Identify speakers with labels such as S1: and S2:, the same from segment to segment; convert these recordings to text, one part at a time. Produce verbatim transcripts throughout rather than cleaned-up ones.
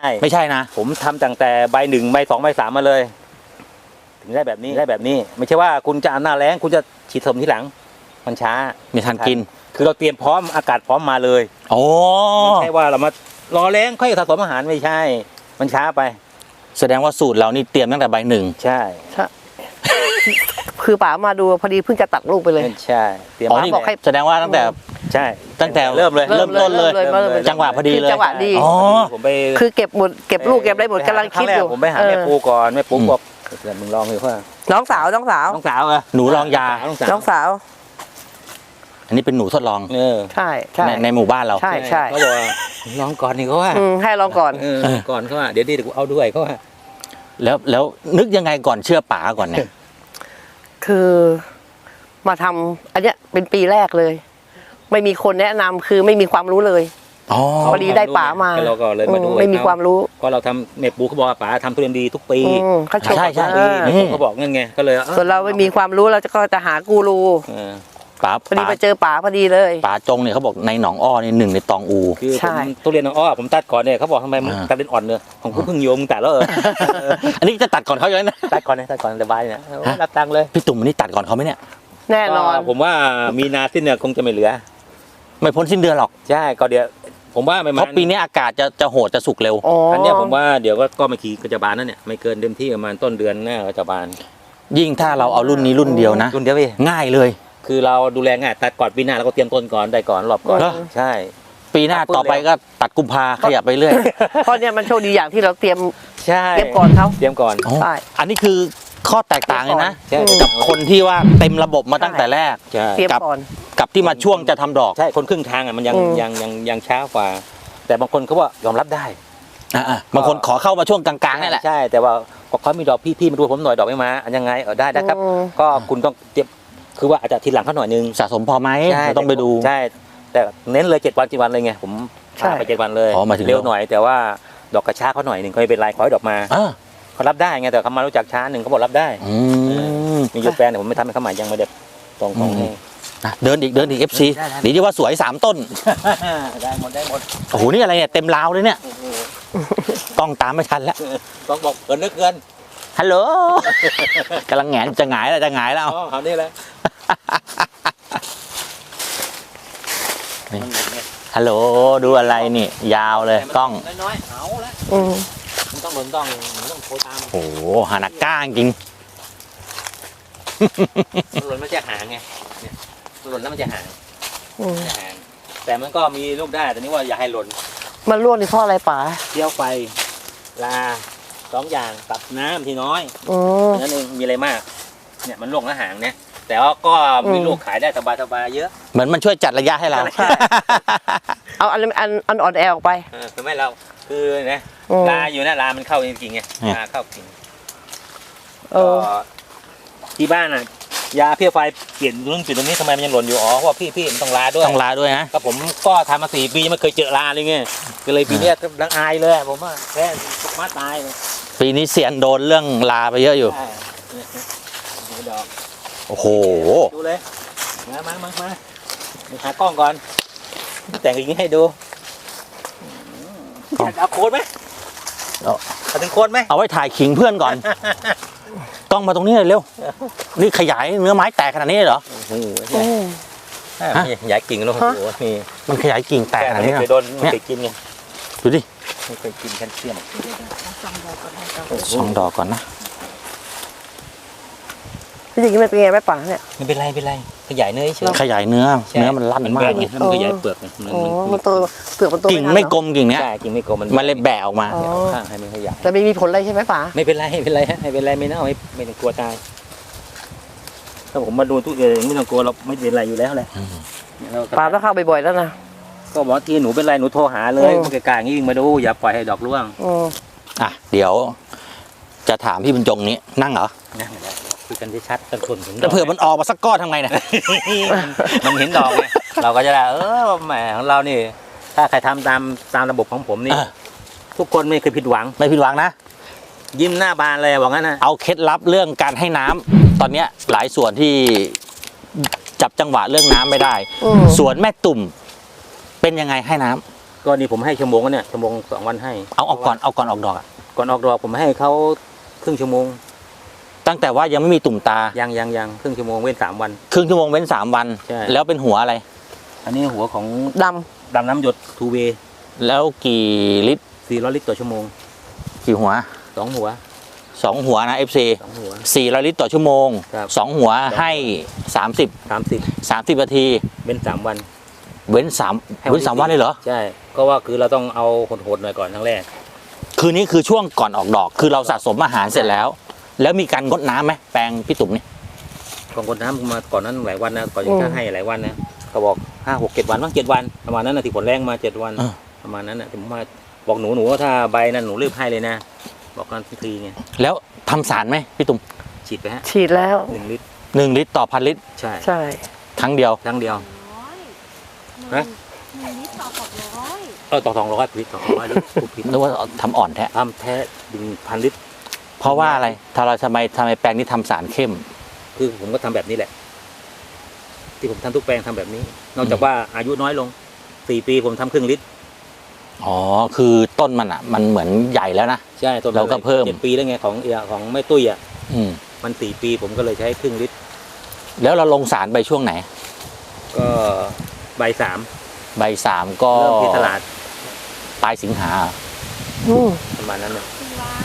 S1: ไม่ใช่นะ
S2: ผมทำตั้งแต่ใบหนึ่งใบสองใบสามมาเลยถึงได้แบบนี้ได้แบบนี้ไม่ใช่ว่าคุณจะหน้าแล้งคุณจะฉีดผสมทีหลังมันช้า
S1: ไม่ทันกิน
S2: คือเราเตรียมพร้อมอากาศพร้อมมาเลย
S1: โอ้
S2: ไม่ใช่ว่าเรามารอแล้งค่อยผสมอาหารไม่ใช่มันช้าไป
S1: แสดงว่าสูตรเรานี่เตรียมตั้งแต่ใบหนึ่ง
S2: ใช่
S3: ใช่คือป๋ามาดูพอดีเพิ่งจะตัดลูกไปเลย
S2: ใช่
S1: เตรียมบอกให้แสดงว่าตั้งแต่
S2: ใช่
S1: ตั้งแต่
S2: เริ่มเลย
S1: เริ่มต้นเลยจังหวะพอดีเลย
S3: จังหวะดี
S1: อ๋อ
S2: ผมไป
S3: คือเก็บหมดเก็บลูกเก็บอะไรหมดกำลังคิดอยู่
S2: ผมไปหาแม่ปูก่อนแม่ปูบอกเดี๋ยวมึงลองดูว่า
S3: น้องสาวน้องสาว
S2: น้องสาวเหรอ
S1: หนูลองยา
S3: น้องสาว
S1: อันนี้เป็นหนูทดลอง
S2: เออ
S3: ใช่ใช่
S1: ในหมู่บ้านเรา
S3: ใช่ใช่
S2: เขาบอกลองก่อนนี่เขาว่า
S3: ให้ลองก่อน
S2: ก่อนเขาว่าเดี๋ยวดีเดี๋ยวกูเอาด้วยเขาว่า
S1: แล้วแล้วนึกยังไงก่อนเชื่อป๋าก่อนเนี่ย
S3: คือมาทำอันเนี้ยเป็นปีแรกเลยไม่มีคนแนะนำคือไม่มีความรู้เลย
S1: อ๋อ
S3: พอดีได้ป๋ามา
S2: เราก็เลยมาดู
S3: ไม่มีความรู้
S2: เพราะเราทำเมปูเขาบอกว่าป๋าทำทุเรียนดีทุกปี
S3: ใช่ใช่
S2: เขาบอกงั้นไงก็เลย
S3: ส่วนเราไม่มีความรู้เราก็จะหากูรู
S1: ป๋า
S3: พอดีมาเจอป๋าพอดีเลย
S1: ป๋าจงเนี่ยเขาบอกในหนองอ้อนี่หนึ่งในตองอู
S2: คือผมทุเรียนหนองอ้อผมตัดก่อนเนี่ยเขาบอกทำไมมันตัดเป็นอ่อนเนี่ยของกูเพิ่งโยมตัดแล้วเออ
S1: อันนี้จะตัดก่อนเขาอยู่นะ
S2: ตัดก่อนเลยตัดก่อนสบายเนี่ยรับตังค์เลย
S1: พี่ตุ่มอันนี้ตัดก่อนเขาไหมเนี่ย
S3: แน่นอน
S2: ผมว่ามีนาสิ้นเนี่ยคงจะไม่เหลือ
S1: ไม่พ้นสิ้นเดือนหรอก
S2: ใช่ก็เดี๋ยวผมว่าไม่
S1: เพราะปีนี้อากาศจะจะโหดจะสุกเร็ว
S2: อันนี้ผมว่าเดี๋ยวก็ก็มาขี่กระจบานนั่นเนี่ยไม่เกินเต็มที่ประมาณต้นเดือนหน้ากระจบาน
S1: ยิ่งถ้าเราเอารุ่นนี้รุ่นเดียวนะ
S2: รุ่นเดียวพี่
S1: ง่ายเลย
S2: คือเราดูแลง่ายตัดก่อนปีหน้าเราก็เตรียมต้นก่อนได้ก่อนรอบก่อนใช่
S1: ปีหน้าต่อไปก็ตัดกุมภาขยับไปเรื่อย
S3: เพราะเนี่ยมันโชคดีอย่างที่เราเตรียม
S2: ใช่
S3: เตรียมก่อนเขา
S2: เตรียมก่อน
S1: ใช่อันนี้คือข้อแตกต่างเลยนะกับคนที่ว่าเต็มระบบมาตั้งแต่แรก
S3: กับ
S1: กับที่มาช่วงจะทำดอก
S2: ใช่คนครึ่งทางอ่ะมันยังยังยังยังช้ากว่าแต่บางคนเขาว่ายอมรับได้
S1: อ่าบางคนขอเข้ามาช่วงกลางๆนี่แหละ
S2: ใช่แต่ว่าเขามีดอกพี่ๆมาดูผมหน่อยดอกไม่มายังไงเออได้ได้ครับก็คุณต้องเตรียมคือว่าอาจจะทีหลังเขาหน่อยนึง
S1: สะสมพอไหมต้องไปดู
S2: ใช่แต่เน้นเลยเจ็ดวันเจ็ดวันเลยไงผมพาไปเจ็ดวันเลยเร็วหน่อยแต่ว่าดอกกระช้าเขาหน่อยหนึ่งเขาไม่เป็นไรขอให้ดอกมาเขารับได้ไงแต่เขามารู้จักช้าหนึ่งเขาบอกรับได้มีอยู่แฟนแต่ผมไม่ทำให้เขาหมายยังไม่เด็ดตรงๆให้
S1: เดินอีกเดินอีกเอฟซีดีที่ว่าสวยสามต้น
S2: ได้หมดได้หมด
S1: โอ้โหนี่อะไรเนี่ยเต็มราวเลยเนี่ยต้องตามไม่ทันแล้ว
S2: ต้องบอกเกินนึกเกิน
S1: ฮัลโหลกำลังแงนจะหงายแล้วจะหงายแล้ว
S2: อ๋อเอานี่เลย
S1: ฮัลโหลดูอะไรนี่ยาวเลยกล้อง
S2: น้อยๆเอาละมันต้องหล่นต้องต้องโทรตาม
S1: โอ้โหฮานาก้าจริง
S2: หล่นมันจะห่างไงเนี่ยหล่นแล้วมันจะห่างจะห่างแต่มันก็มีลูกได้แต่นี่ว่าอย่าให้หล่น
S3: มันร่วงนี่เพราะอะไรป๋า
S2: เที่ยวไฟลาสองอย่างกับน้ำที่น้อยนั่นเองมีอะไรมากเนี่ยมันร่วงแล้วห่างเนี่ยแต่ว่าก็มีลูกขายได้สบายๆเยอะ
S1: เหมือนมันช่วยจัดระยะให้เรา
S3: เอาอันอันอันอ่อนแอออกไป
S2: คือไม่เราคือนะลาอยู่นะลามันเข้าจริงๆไงลาเข้าจริงก็ที่บ้านอ่ะยาเพี้ยไฟเปลี่ยนเรื่องเปลี่ยนตรงนี้ทำไมมันยังหล่นอยู่อ๋อเพราะพี่พี่มันต้องลาด้วย
S1: ต้องลาด้วยนะ
S2: ก็ผมก็ทำมาสี่ปีไม่เคยเจอลาเลยไงก็เลยปีนี้ดังอายเลยผมว่าแค่มาตายเลย
S1: ปีนี้เสียนโดนเรื่องลาไปเยอะอยู่
S2: ดอก
S1: โอ้โห
S2: ดูเลยมามามามาหากล้องก่อนแต่งอย่างนี้ให้ดูเอาโคนไหมเอาถึงโคนไหม
S1: เอาไว้ถ่ายขิงเพื่อนก่อนกล้องมาตรงนี้เลยเร็วนี่ขยายเนื้อไม้แตกขนาดนี้เหรอ
S2: โอ้โหขยายกิ่งแล้วโอ้โหนี่
S1: มันขยายกิ่งแตกขนาดนี้
S2: เคยโดนเคยกินไง
S1: ดูดิ
S2: ไม่เคยกินแคลเซียม
S1: สองดอกก่อนนะ
S3: พี่จริงๆมันเป็นไงไหมป๋าเนี่ย
S2: ไม่เป็นไรเป็นไรขยายเนื้อเฉย
S1: ขยายเนื้อเนื้อมันลั่นมาก
S2: เลยมันขยายเปลือก
S3: มันโตเปลือกมันโต
S1: กิ่งไม่กลมกิ่งเนี้ย
S2: กิ่งไม่กลมมัน
S1: มันเลยแบะออกมา
S2: ข้างให้มันขยาย
S3: แต่ไม่มีผลอะไรใช่ไหมป๋า
S2: ไม่เป็นไรไม่เป็นไรฮะไม่เป็นไรไม่น่าไม่ไม่ต้องกลัวตายถ้าผมมาดูทุกอย่างไม่ต้องกลัวเราไม่เป็นไรอยู่แล้วแหละ
S3: ป๋าต้องเข้าบ่อยๆแล้วนะ
S2: ก็บอกทีหนูเป็นไรหนูโทรหาเลยมันไกลๆอย่างนี้มาดูอย่าปล่อยให้ดอกร่วง
S1: อ่ะเดี๋ยวจะถามพี่บรรจงนี้นั่งเหรอ
S2: นั่งเลยคุยกันที่ชัดกันคนถึง
S1: แต่เผื่อมันออกมาสักก้อนทำไงเนี่ย
S2: มันเห็นดอกไงเราก็จะได้เออแหมของเรานี่ถ้าใครทำตามตามระบบของผมนี่ทุกคนไม่เคยผิดหวัง
S1: ไม่ผิดหวังนะ
S2: ยิ้มหน้าบานเลยบอกงั้นนะ
S1: เอาเคล็ดลับเรื่องการให้น้ำตอนนี้หลายส่วนที่จับจังหวะเรื่องน้ำไม่ได้ส่วนแม่ตุ่มเป็นยังไงให้น้
S2: ก็นี่ผมให้ชั่วโมงแล้วเนี่ยชั่วโมงสองวันให้
S1: เอาออกก่อนเอาก่อนออกดอกอะ
S2: ก่อนออกดอกผมให้เขาครึ่งชั่วโมง
S1: ตั้งแต่ว่ายังไม่มีตุ่มตา
S2: ยังยังยังครึ่งชั่วโมงเว้นสามวัน
S1: ครึ่งชั่วโมงเว้นสามวัน
S2: ใช่
S1: แล้วเป็นหัวอะไร
S2: อันนี้หัวของ
S3: ด
S2: ดำน้ำหยดทูเว
S1: แล้วกี่ลิตร
S2: สี่ร้อยลิตรต่อชั่วโมง
S1: กี่หัว
S2: สองหัว
S1: สองหัวนะ เอฟ ซี
S2: สองหัว
S1: สี่ร้อยลิตรต่อชั่วโมง
S2: ครับ
S1: สองหัวให้สามสิบ
S2: สามสิบ
S1: สามสิบนาที
S2: เว้นสามวัน
S1: เว้นสาม
S2: ให้วัน
S1: เว้นสามวันเลยเหรอ
S2: ใช่ก็ว่าคือเราต้องเอาโหดๆหน่อยก่อนครั้งแรก
S1: คืนนี้คือช่วงก่อนออกดอก คือเราสะสมอาหารเสร็จแล้ว แล้วมีการงดน้ำไหมแปลงพี่ตุ่มนี่
S2: ก่อนกดน้ำมาก่อนนั้นหลายวันนะก่อนจะให้หลายวันนะเขาบอกห้าหกเจ็ดวันบ้างเจ็ดวันประมาณนั้นนะที่ผลแรงมาเจ็ดวันประมาณนั้นนะผมมาบอกหนูหนูว่าถ้าใบนั้นหนูรีบให้เลยนะ บอกกันทีไง
S1: แล้วทำสารไหมพี่ตุ่ม
S2: ฉีดไปฮะ
S3: ำฉีดแล้ว
S2: หนึ่งลิตร
S1: หนึ่งลิตรต่อพันลิตร
S2: ใช่
S3: ใช่
S1: ครั้งเดียว
S2: ครั้งเดียว
S4: ร้อย
S2: ฮะ
S4: หนึ่งลิตรต่อหกร้อย
S2: เออต่อสองร้อยลิตรต่อสองร้อยลิตรพูดผิด
S1: นึกว่าทำอ่อนแท้
S2: ทำแท้ดึงพันลิตร
S1: เพราะว่าอะไรถ้าเราทำไมทำไมแปลงนี้ทำสารเข้ม
S2: คือผมก็ทำแบบนี้แหละ ที่ผมทำทุกแปลงทำแบบนี้ นอกจากว่าอายุน้อยลงสี่ปีผมทำครึ่งลิตร
S1: อ๋อ คือต้นมันอ่ะ มันเหมือนใหญ่แล้วนะ
S2: ใช่ต้น
S1: เราก็เพิ่ม
S2: เจ็ดปีแล้วไงของเอียของแม่ตุ้ยอ่ะ
S1: อืม
S2: มันสี่ปีผมก็เลยใช้ครึ่งลิตร
S1: แล้วเราลงสารไปช่วงไหน
S2: ก็ใบสาม
S1: ใบสามก็
S2: เริ่มที่ตลาด
S1: ปลายสิงหา
S3: อืม
S2: ประมาณนั้นเลย
S4: ตุลา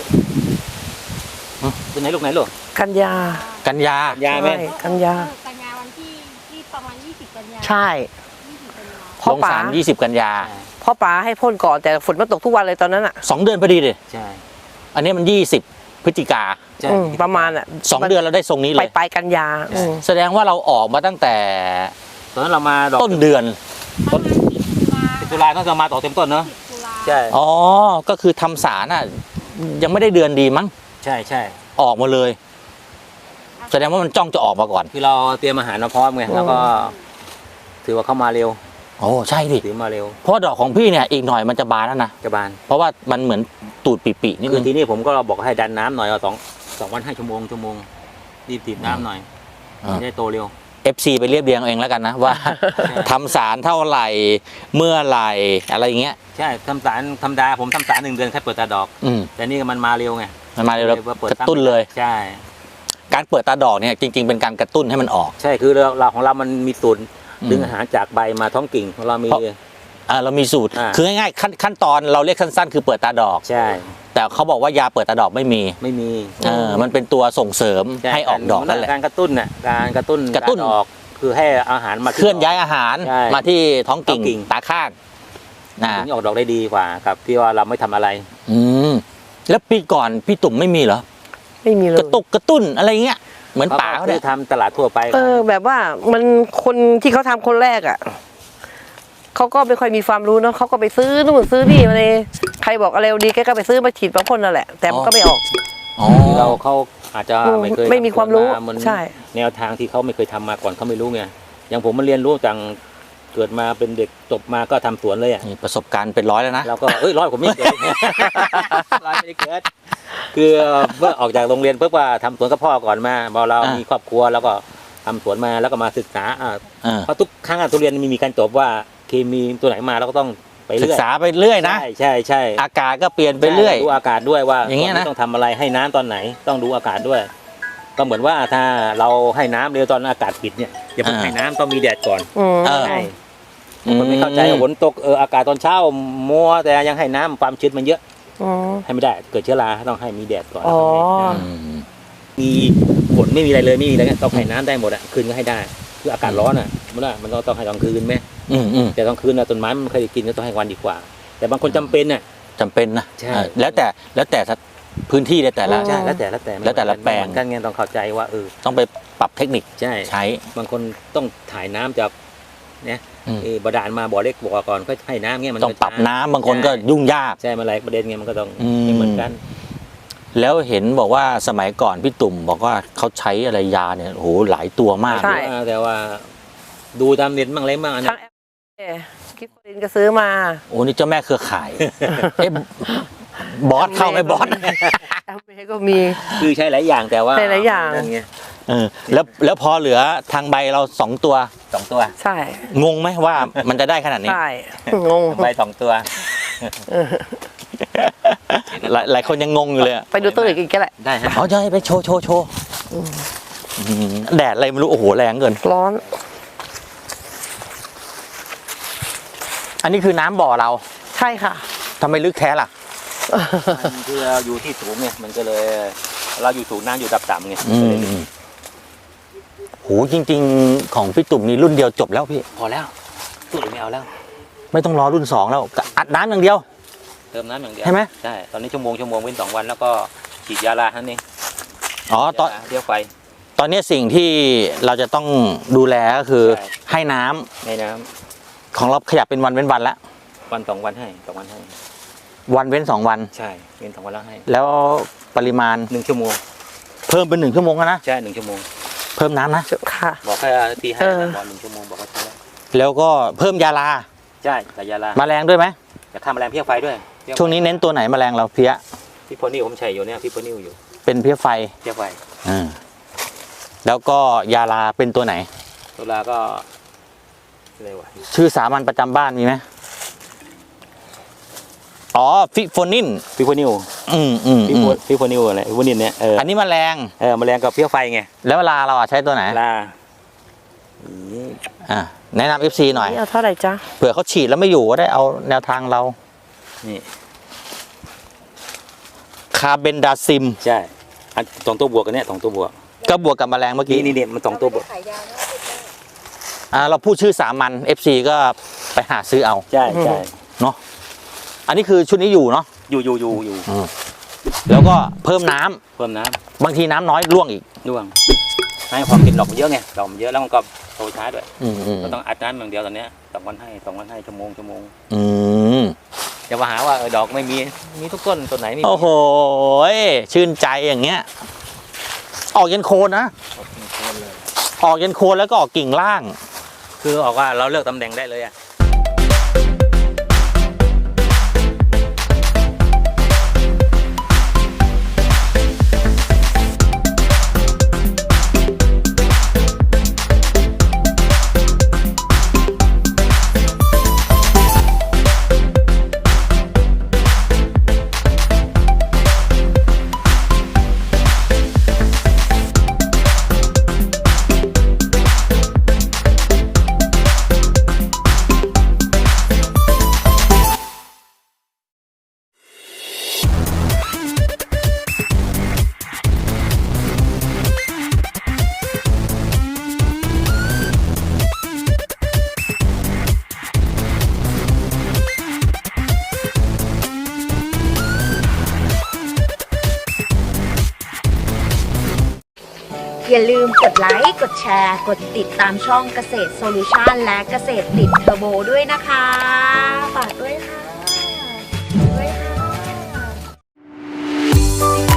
S2: เป็นไหนลูกไหนลูก
S3: กันยา
S1: กันยา
S2: ยาไหม
S3: ใช่กันยา
S4: เออกันยาวันที่ที่ประมาณยี่สิบกันยา
S3: ใช่
S4: ยี่สิบกันยา
S3: พ่อ
S1: ลง
S3: ป๋า
S1: สารยี่สิบกันยา
S3: พ่อป๋าให้พ่นก่อนแต่ฝนมันตกทุกวันเลยตอนนั้นอ่ะ
S1: สองเดือนพอดีเลย
S2: ใช่
S1: อันนี้มันยี่สิบพฤศจิกา
S2: ใช่
S3: อืมประมาณอ่ะ
S1: สองเดือนเราได้ทรงนี้
S3: ไป
S1: เลย
S3: ไปกันยาอืม
S1: แสดงว่าเราออกมาตั้งแต่
S2: ตอนนั้นเรามาดอก
S1: ต้นเดือน
S4: ประมาณสิบตุลา
S2: ตุลาต้องจะมาต่อเต็มต้นเนาะ
S4: สิบตุลา
S2: ใช่
S1: อ๋อ ก็คือทำสารอ่ะ ยังไม่ได้เดือนดีมั้ง
S2: ใช่ใช่
S1: ออกมาเลย แสดงว่ามันจ้องจะออกมาก่อน
S2: คือเราเตรียมอาหารมาพร้อมไงแล้วก็ ถือว่าเข้ามาเร็ว
S1: โอ้ใช่ดิ
S2: ถือมาเร็ว
S1: เพราะดอกของพี่เนี่ยอีกหน่อยมันจะบานแล้วนะ
S2: กระบาล
S1: เพราะว่ามันเหมือนตูดปีๆนิด
S2: คื
S1: นึ
S2: อง ทีนี้ผมก็บอกให้ดันน้ำหน่อยเอาสองสองวันให้ชั่วโมงชั่วโมงรีบตีบน้ำหน่อย
S1: อ่า
S2: จะได้โตเร็ว
S1: เอฟ ซี ไปเรียบเรียงเอาเองแล้วกันนะว่า ทำสารเท่าไหร่เมื่อไหร่อะไรอย่างเงี้ย
S2: ใช่ทำสารธรรมดาผมทำสารหนึ่งเดือนแค่เปิดตาดอก
S1: อืม
S2: แต่นี่มันมาเร็วไง
S1: มันมาเร็วแล้ว
S2: ว่าเปิด
S1: กระตุ้นเลย
S2: ใช่
S1: การเปิดตาดอกเนี่ยจริง ๆ เป็นการกระตุ้นให้มันออก
S2: ใช่คือเราเราของเรามันมีสูตร
S1: อืม
S2: ดึงอาหารจากใบมาท้องกิ่งของเรามี
S1: เพราะ อ่าเรามีสูตร
S2: อ่า
S1: คือง่ายๆขั้นขั้นตอนเราเรียกสั้นๆ คือเปิดตาดอก
S2: ใช่
S1: แต่เขาบอกว่ายาเปิดตาดอกไม่มี
S2: ไม่มี
S1: เออมันเป็นตัวส่งเสริม
S2: ช่
S1: ให้ออกดอกนั่นแหละ
S2: การกระตุ้นน่ะการกระตุ้น
S1: กระตุ้น
S2: าออกคือให้อาหารมา
S1: เคลื่อนย้ายอาหาร
S2: ใช่
S1: มาที่ท้องกิ่ง
S2: ท้องกิ่ง
S1: ตาข้างนะ
S2: ถึงออกดอกได้ดีกว่ากับที่ว่าเราไม่ทำอะไร
S1: อืมแล้วปีก่อนพี่ตุ่มไม่มีเหรอ
S3: ไม่มีเล
S1: ก
S3: ย
S1: ระตุกกระตุ้นอะไรเงี้ยเหมือนป่าเขา
S2: คื
S1: เนี่
S2: อย ทำตลาดทั่วไป
S3: เออแบบว่ามันคนที่เขาทำคนแรกอ่ะเขาก็ไม่ค่อยมีความรู้เนาะเขาก็ไปซื้อนู่นซื้อนี่มาเลยใครบอกอะไรดีแกก็ไปซื้อมาฉีดมาพ่นนั่นแหละ แต่มันก็ไม่ออก
S1: อ๋อ
S2: คือเราเขาอาจจะไม่เคย
S3: ไม่มีความรู้
S2: ทำน
S3: ใช่
S2: แนวทางที่เขาไม่เคยทำมาก่อนเขาไม่รู้ไงอย่างผมมันเรียนรู้จังเกิดมาเป็นเด็กจบมาก็ทำสวนเลยอ่ะ
S1: นี่ประสบการณ์เป็นร้อยแล้วนะ
S2: เราก็เอ้ยร้อยผมไม่เกิด ร้อยไม่ได้เกิดคือเมื่อออกจากโรงเรียนปุ๊บว่าทำสวนกับพ่อก่อนมาพอเรา
S1: อ่ามี
S2: มีครอบครัวแล้วก็ทำสวนมาแล้วก็มาศึกษาอ่า
S1: เออ
S2: เพราะทุกครั้งอะทุเรียนมีมีการจบว่าเคมีตัวไหนมาเราก็ต้องไป
S1: ศึ
S2: เรื่
S1: ก
S2: อย
S1: ษาไปเรื่อยนะ
S2: ใช่ใช่ใช่
S1: อากาศก็เปลี่ยนไปเรื่อย
S2: ดูอากาศด้วยว่า
S1: อย่างเงี้ยนะ
S2: ตต้องทำอะไรให้น้ำตอนไหนต้องดูอากาศด้วย ก็เหมือนว่าถ้าเราให้น้ำเร็วตอนอากาศปิดเนี่ยอย่าเพิ่งให้น้ำต้องมีแดดก่อน
S3: อืม
S1: เออ
S2: ใช่คนไม่เข้าใจว่าฝนตกเอออากาศตอนเช้ามัวแต่ยังให้น้ำความชื้นมันเยอะ
S3: อ๋อ
S2: ให้ไม่ได้เกิดเชื้อราต้องให้มีแดดก่อน
S3: อ๋อ
S1: อืม
S2: มีฝนไม่มีอะไรเลยไม่มีอะไรเงี้ยต้องให้น้ำได้หมดอ่ะคืนก็ให้ได้คืออากาศร้อนอ่ะมันว่ามันก็ต้องให้ตอนคืนไหม
S1: อืมอืม
S2: แต่ตอนคืนนะต้นไม้มันเคยกินก็ต้องให้วันดีกว่า แต่บางคนจำเป็นน่ะ
S1: จำเป็นนะ
S2: ใช่
S1: เออแล้วแต่แล้วแต่พื้นที่ในแต่ละ
S2: ใช่แล้วแต่แล้วแต่
S1: แล้วแต่ละแปลง
S2: เหมือนกันไงต้องเข้าใจว่าเออ
S1: ต้องไปปรับเทคนิค
S2: ใช่
S1: ใช้
S2: บางคนต้องถ่ายน้ำจากเนี่ย
S1: อืม
S2: เออบาดาลมาบ่อเล็กบ่อก่อนก็ให้น้ำเงี้ยมัน
S1: ต้องปรับน้ำบางคนก็ยุ่งยาก
S2: ใช่มาหลายประเด็นเงี้ยมันก็ต้อง
S1: อืม
S2: ไม่เหมือนกัน
S1: แล้วเห็นบอกว่าสมัยก่อนพี่ตุ่มบอกว่าเขาใช้อะไรยาเนี่ยโอ้โหหลายตัวมาก
S3: ใช่
S2: แต่ว่าดูตามเน็ตบ้างอะไรบ้างอัน
S3: ทั้
S2: นี้
S3: งแอปกิฟต์ลินก็ซื้อมา
S1: โอ้นี่เจ้าแม่เครือข่าย เอ๊ะบอสเข้าไหมบอส
S3: แอปเมก็มี
S2: คือใช้หลายอย่างแต่ว่า
S3: ใช้หลายอย่าง
S2: นั่นไง
S1: เออแล้วแล้วพอเหลือทางใบเราสองตัว
S2: สองตัว
S3: ใช่
S1: งงไหมว่ามันจะได้ขนาดนี้
S3: ใช่งง
S2: ใบสองตัว
S1: หลายหลายคนยังงงอยู่เลยอะ
S3: ไปดูตัวอื่นอีกก็แหละ
S2: ได้ฮะ
S1: อ๋อใช่ไปโชว์โชว์โชว์อืมแดดอะไรไม่รู้โอ้โหแรงเกิน
S3: ร้อน
S1: อันนี้คือน้ำบ่อเรา
S3: ใช่ค่ะ
S1: ทำไมลึกแท้ล่ะ
S2: มันคือเราอยู่ที่สูงไงมันก็เลย เราอยู่สูงน้ำอยู่ดับต่ำไง
S1: อืมโหจริง ๆ ของพี่ตุ่มนี่รุ่นเดียวจบแล้วพี่
S2: พอแล้วตู้อื่นไม่เอาแล้ว
S1: ไม่ต้องรอรุ่นสองแล้วอัดน้ำอย่างเดียว
S2: เติมน้ำอย่างเดียว
S1: ใช่ไหม
S2: ใช่ตอนนี้ชั่วโมงชั่วโมงเว้นสองวันแล้วก็ฉีดยาลาท่านเอง
S1: อ๋อตอน
S2: ยาลาเที่ยวไฟ
S1: ตอนนี้สิ่งที่เราจะต้องดูแลก็คือ
S2: ใช่
S1: ให้น้ำ
S2: ในน้
S1: ของเราขยับเป็นวันเว้นวันละ
S2: ำวันสองวันให้สองวันให้
S1: วันเว้นสองวัน
S2: ใช่เว้นสองวันแล้วให้
S1: แล้วปริมาณ
S2: หนึ่งชั่วโมง
S1: เพิ่มเป็นหนึ่งชั่วโมงแล้วนะ
S2: ใช่หนึ่งชั่วโมง
S1: เพิ่มน้ำนะ
S3: ค่ะ
S2: บอกแค่ตีให้
S3: เออ
S2: บอกหนึ่งชั่วโมงบอกว่าใช่แล้ว
S1: แล้วก็เพิ่มยาลา
S2: ใช่แต่ยาลา
S1: แมลงด้วยไหม
S2: จะทำแมลงเพี้ยไฟด้วยเพี้ยไฟ
S1: ช่วงนี้เน้นตัวไหนแมลงเราเพี้ย
S2: พี่โพนิวผมใช้อยู่เนี่ยพี่โพนิวอยู่
S1: เป็นเพี้ยไฟ
S2: เพี้ยไฟ
S1: อ่าแล้วก็ยาลาเป็นตัวไหน
S2: ตัวลาก็อะไรวะ
S1: ชื่อสามัญประจำบ้านมีไหมอ๋อฟิโฟนิน
S2: พี่โพนิว
S1: อืมอืม
S2: พี่
S1: อื
S2: โพ
S1: ม
S2: พี่โพนิวอะไรพี่โพนิวเนี่ยเออ
S1: อันนี้แมลง
S2: เออแมลงกับเพี้ยไฟไง
S1: แล้วเวลาเราอะใช้ตัวไหน
S2: ลา
S1: อ่าแนะนำเอฟซีหน่อย
S3: นี่เอาเท่าไหร่จ๊ะ
S1: เผื่อเขาฉีดแล้วไม่อยู่ก็ได้เอาแนวทางเรา
S2: นี่
S1: คาเบนดาซิม
S2: ใช่อันสองตัวบวกกันเนี่ยสองตัวบวก
S1: ก็บวกกับแมลงเมื่อกี้
S2: นี่นี่เนี่ยมันสองตัวบวก
S4: ขายยานะ
S1: อ่าเราพูดชื่อสามัญ เอฟ ซี ก็ไปหาซื้อเอา
S2: ใช่ใช่
S1: เนาะอันนี้คือชุดนี้อยู่เนาะ
S2: อยู่อยู่อยู่อยู่
S1: แล้วก็เพิ่มน้ำ
S2: เพิ่มน้
S1: บางทีน้ำน้อยร่วงอีก
S2: ำร่วงให้ความกินดอกมันเยอะไงดอกมันเยอะแล้วมันก็โตช้าด้วย
S1: อืมอืม
S2: ก็ต้องอัดน้ำอย่างเดียวตอนเนี้ยสองวันให้สองวันให้ชั่วโมงชั่วโมง
S1: อืม
S2: อย่ามาหาว่าเออดอกไม่มีมีทุกต้นต้นไหนไม่มี
S1: โอ้โหชื่นใจอย่างเงี้ย ออกยันโคนนะ ออกยันโคนแล้วก็ออกกิ่งล่าง
S2: คือออกว่าเราเลือกตำแหน่งได้เลยอ่ะ
S5: อย่าลืมกดไลค์ กดแชร์ กดติดตามช่องเกษตรโซลูชันและเกษตรติดเทอร์โบด้วยนะคะ ฝากด้วยค่ะด้วยค่ะ